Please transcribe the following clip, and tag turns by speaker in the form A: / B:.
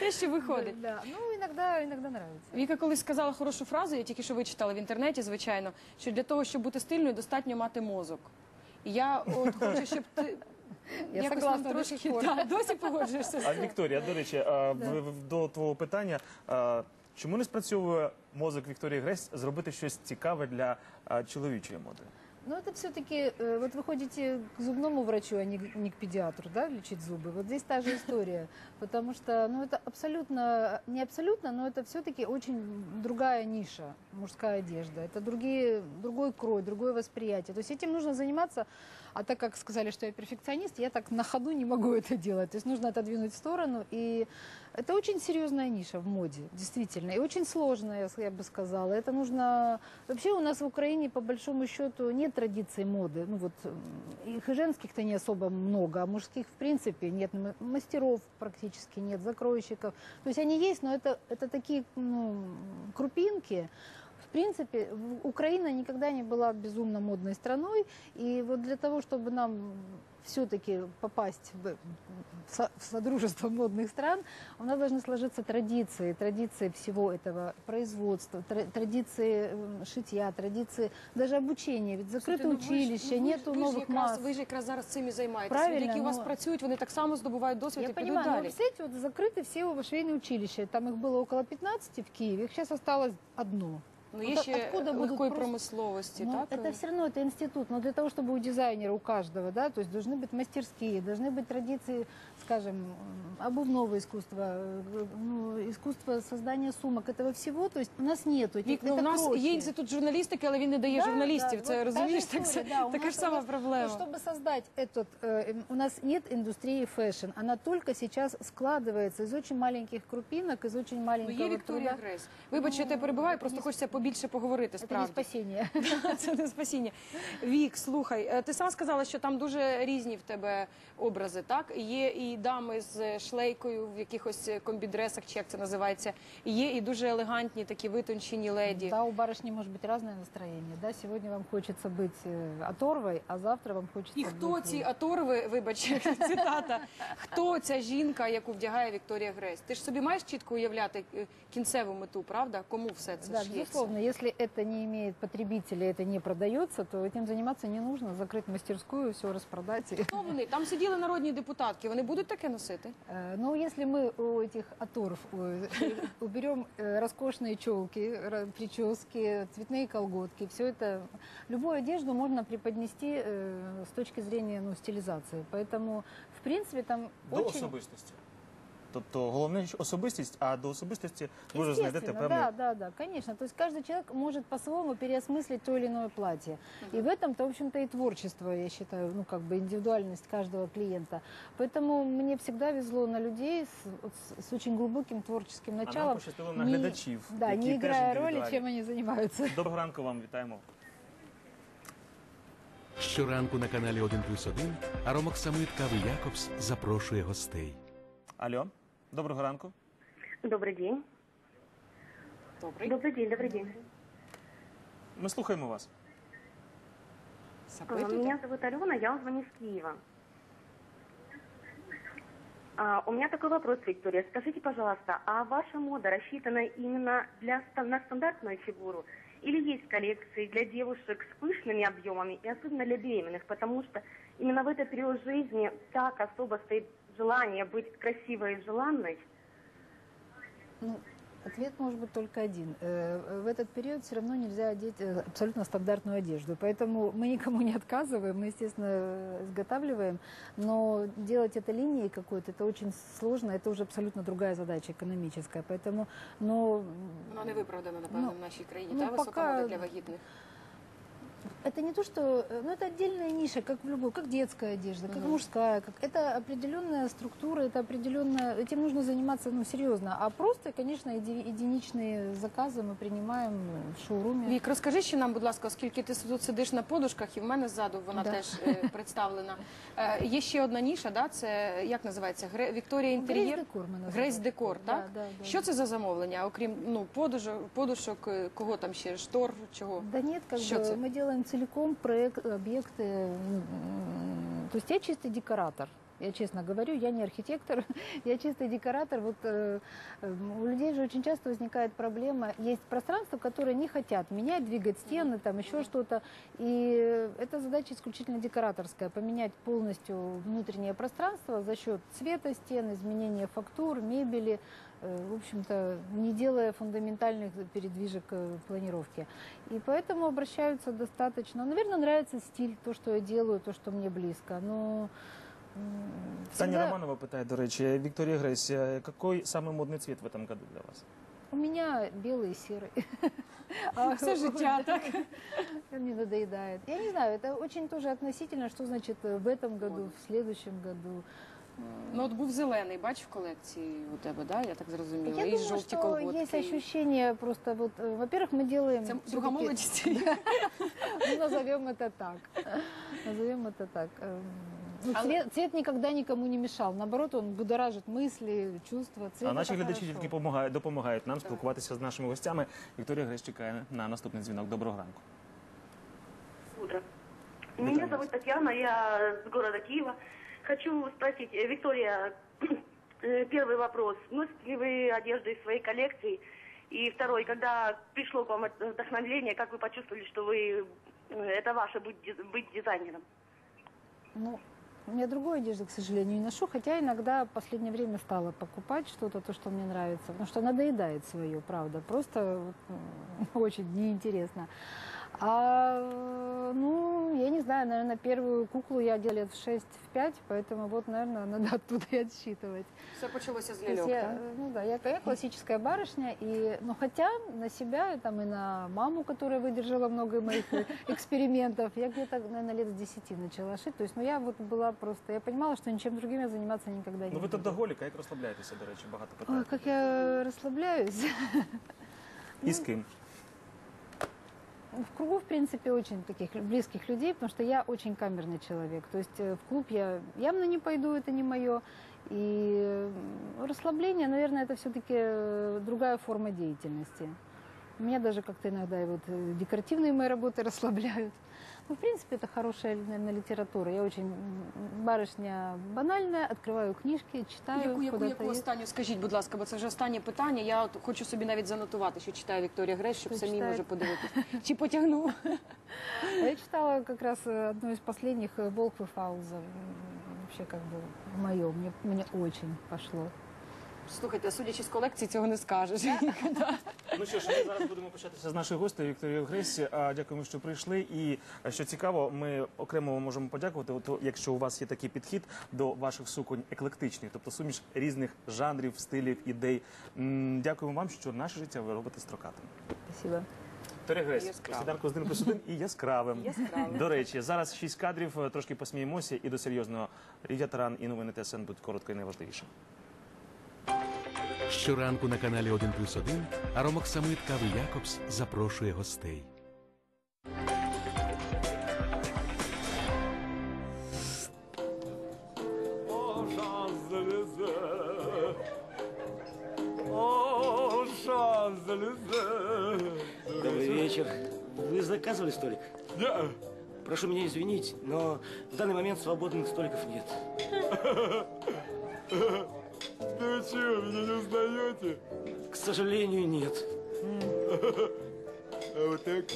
A: те, що виходить.
B: Да. Ну, иногда нравится.
A: Віка колись сказала хорошу фразу, я тільки що вичитала в інтернеті, звичайно, що для того, щоб бути стильною, достатньо мати мозок. І я от хочу, щоб ти...
B: Я
A: якось
B: согласна
A: нам трошки,
B: до сих пор.
A: досі погоджуєшся з
C: А
A: цим.
C: Вікторія, до речі, до твого питання, чому не спрацьовує мозок Вікторії Гресь зробити щось цікаве для чоловічої моди?
B: Ну, это все-таки, вот вы ходите к зубному врачу, а не к педиатру, да, лечить зубы. Вот здесь та же история, потому что, ну, это абсолютно, не абсолютно, но это все-таки очень другая ниша, мужская одежда. Это другой крой, другое восприятие. То есть этим нужно заниматься, а так как сказали, что я перфекционист, я так на ходу не могу это делать. То есть нужно отодвинуть в сторону, и это очень серьезная ниша в моде, действительно, и очень сложная, я бы сказала. Это нужно... Вообще у нас в Украине, по большому счету, нет традиций моды. Ну вот их и женских-то не особо много, а мужских в принципе нет. Мастеров практически нет, закройщиков. То есть они есть, но это такие крупинки. В принципе, Украина никогда не была безумно модной страной, и вот для того, чтобы нам все-таки попасть в содружество модных стран, у нас должны сложиться традиции всего этого производства, традиции шитья, традиции даже обучения. Ведь закрыты училища, нету новых масс.
A: Ви ж якраз зараз цим і займаєтесь.
B: Правильно,
A: Люди, які у вас працюють, вони так само здобувають досвід
B: Я
A: і підуть
B: понимаю, но,
A: далі.
B: кстати, вот закрыты все швейные училища. Там их было около 15 в Киеве, их сейчас осталось одно.
A: Ну, є ще легкої промисловості,
B: Ну,
A: так?
B: это все равно это институт, но для того, чтобы у дизайнера, у каждого, да, то есть должны быть мастерские, должны быть традиции, скажем, обувного искусства, ну, искусство создания сумок, этого всего, то есть у нас нету этих,
A: Вік, ну, у нас є інститут журналістики, але він не дає журналістів, це
B: вот
A: розумієш,
B: та же
A: так,
B: история, да,
A: така ж сама проблема.
B: Чтобы создать этот, у нас нет индустрии фэшн, она только сейчас складывается из очень маленьких крупинок, из очень
A: Ну,
B: маленького
A: є Вікторія
B: труда.
A: Гресь. Вибач, я тебе перебиваю, просто хочеться побільше поговорити,
B: Это не
A: справді.
B: спасение.
A: Це не спасіння. Вік, слухай, ти сама сказала, що там дуже різні в тебе образи, так? Є і дами з шлейкою в якихось комбідресах, чи як це називається, є і дуже елегантні такі витончені леді.
B: Да, у барышни может быть разное настроение. Да? Сегодня вам хочется быть оторвой, а завтра вам хочется
A: І хто
B: быть...
A: ці оторви, вибач, цитата, хто ця жінка, яку вдягає Вікторія Гресь? Ти ж собі маєш чітко уявляти кінцеву мету, правда? Кому все це
B: Да,
A: ш'ється?
B: безусловно, если это не имеет потребителя, это не продается, то этим заниматься не нужно. Закрыть мастерскую, все распродать.
A: Хто вони? Там сиділи народні депутатки, вони будуть таке носити?
B: Но если мы у этих оторв уберем роскошные челки, прически, цветные колготки, все это, любую одежду можно преподнести с точки зрения стилизации. Поэтому, в принципе, там
C: До
B: очень...
C: особистості. Тобто головне особистість, а до особистості ви вже знайдете певний...
B: Да, конечно. То есть каждый человек может по-своему переосмыслить то или иное платье. И в этом-то, в общем-то, и творчество, я считаю, ну, как бы индивидуальность каждого клиента. Поэтому мне всегда везло на людей с очень глубоким творческим
C: А
B: началом.
C: нам пощастило на глядачів,
B: Да,
C: які
B: не
C: теж
B: играя роли,
C: індивідуальні.
B: чем они занимаются.
C: Доброго ранку вам, вітаємо.
D: Щоранку на каналі 1+1 Аромок Самит Кави Якобс запрошує гостей.
C: Алло, доброго ранку.
E: Добрый день.
A: Добрий.
E: Добрый день.
C: Ми слухаємо вас.
A: Запитуйте.
E: Меня зовут Алена, я вам звоню с Киева. У меня такой вопрос, Виктория. Скажите, пожалуйста, а ваша мода рассчитана именно на стандартную фигуру? Или есть коллекции для девушек с пышными объемами и особенно для беременных? Потому что именно в этот период жизни так особо стоит желание быть красивой и желанной.
B: Ну, ответ может быть только один. В этот период все равно нельзя одеть абсолютно стандартную одежду. Поэтому мы никому не отказываем, мы, естественно, изготавливаем. Но делать это линией какой-то, это очень сложно, это уже абсолютно другая задача экономическая. Поэтому,
A: Вона не виправдана, напевно, в нашій країні, та висока
B: пока...
A: мода для вагітних.
B: Это не то, что... Ну, это отдельная ниша, как в любой, как детская одежда, как мужская. Это определенная структура, это определенная... Этим нужно заниматься, серьезно. А просто, конечно, единичные заказы мы принимаем в шоуруме.
A: Вік, розкажи ще нам, будь ласка, оскільки ти тут сидиш на подушках, і в мене ззаду вона теж представлена. Є ще одна ніша, да? Це, як називається? Вікторія Інтер'єр?
B: Грейс-декор ми називаємо.
A: Грейс-декор, так?
B: Да.
A: Що це за замовлення? Окрім подушок, кого там ще, штор, чого?
B: Да нет,
A: Что это?
B: мы делаем целиком проект, объекты. То есть я чистый декоратор. Я честно говорю, я не архитектор, я чистый декоратор. Вот у людей же очень часто возникает проблема. Есть пространства, которые не хотят менять, двигать стены, там еще что-то. И это задача исключительно декораторская. Поменять полностью внутреннее пространство за счет цвета стен, изменения фактур, мебели. В общем-то, не делая фундаментальных передвижек планировки. И поэтому обращаются достаточно. Наверное, нравится стиль, то, что я делаю, то, что мне близко. Но
C: Таня Романова питає, до речі, Вікторія Гресь, який самий модний цвет в этом году для вас?
B: у меня белый и серый.
A: Все життя, так?
B: Мне надоедает. Я не знаю, это очень тоже относительно, что значит в этом году, в следующем году.
A: Ну от був зелений, бач, в колекції у тебе, да? Я так зрозуміла.
B: Я
A: І
B: думаю,
A: жовті
B: что
A: колготки.
B: есть ощущение просто вот, во-первых, мы делаем...
A: Це
B: всё-таки-
A: друга молодість.
B: Ну, назовем это так. Назовем это так. Ну, цвет никогда никому не мешал. Наоборот, он будоражит мысли, чувства. Цвет
C: А наші
B: это
C: глядачі
B: хорошо.
C: тільки допомагають нам спілкуватися з нашими гостями. Вікторія Гресь чекає на наступний дзвінок. Доброго ранку.
E: Утро.
C: Витаю
E: Меня
C: вас.
E: зовут Татьяна, я с города Киева. Хочу спросить, Виктория, первый вопрос. Носите ли вы одежду из своей коллекции? И второй, когда пришло к вам это вдохновение, как вы почувствовали, что это ваше быть дизайнером?
B: Ну, я другой одежды, к сожалению, не ношу, хотя иногда в последнее время стала покупать что-то, то, что мне нравится, потому что надоедает свое, правда, просто вот, очень неинтересно. Ну, я не знаю, наверное, первую куклу я делала лет в 6-5, поэтому вот, наверное, надо оттуда и отсчитывать.
A: Все почалося з
B: То есть
A: ляльок,
B: я,
A: так?
B: ну да, я классическая барышня, ну хотя на себя, там, и на маму, которая выдержала много моих экспериментов, я где-то, наверное, лет с 10 начала шить. То есть, ну я вот была просто, я понимала, что ничем другим я заниматься никогда не
C: Ну ви
B: буду.
C: трудоголік, а як розслабляєтеся, до речі, багато
B: Ой,
C: питань.
B: как я расслабляюсь.
C: І з ким?
B: В кругу, в принципе, очень таких близких людей, потому что я очень камерный человек. То есть в клуб я явно не пойду, это не мое. И расслабление, наверное, это все-таки другая форма деятельности. Меня даже как-то иногда и вот декоративные мои работы расслабляют. Ну, в принципе, это хорошая, наверное, литература. Я очень барышня банальная, открываю книжки, читаю.
A: Яку останню, скажіть, будь ласка, бо це вже останнє питання. Я от хочу собі навіть занотувати, що читає Вікторія Гресь, щоб
B: Що
A: самі
B: читає?
A: може подивитися. Чи потягну?
B: Я читала как раз одну из последних «Волк и Фауза». Вообще как бы мое, мне очень пошло.
A: Слухайте, судячи з колекції, цього не скажеш.
C: Ну що ж, ми зараз будемо початися з нашої гостей Вікторією Гресь. Дякуємо, що прийшли. І що цікаво, ми окремо можемо подякувати, от, якщо у вас є такий підхід до ваших суконь еклектичних, тобто суміш різних жанрів, стилів, ідей. Дякуємо вам, що наше життя ви робите строкатим.
B: Спасибо.
C: Вікторія Гресь,
A: Яскравим.
C: сніданку з 1+1 і яскравим.
A: Яскравим.
C: До речі, зараз 6 кадрів, трошки посміємося і до серйозного. Лідія Таран і новини ТСН будуть коротко і найважливіше.
D: Щоранку на каналі 1+1 Аромок Самит Кави Якобс запрошує гостей.
F: О, Шанс-Елизе! О, Шанс-Елизе!
G: Добрый вечер. Вы заказывали столик?
F: Да.
G: Прошу меня извинить, но в данный момент свободных столиков нет.
F: Да вы чего, меня не узнаете?
G: К сожалению, нет.
F: А вот так?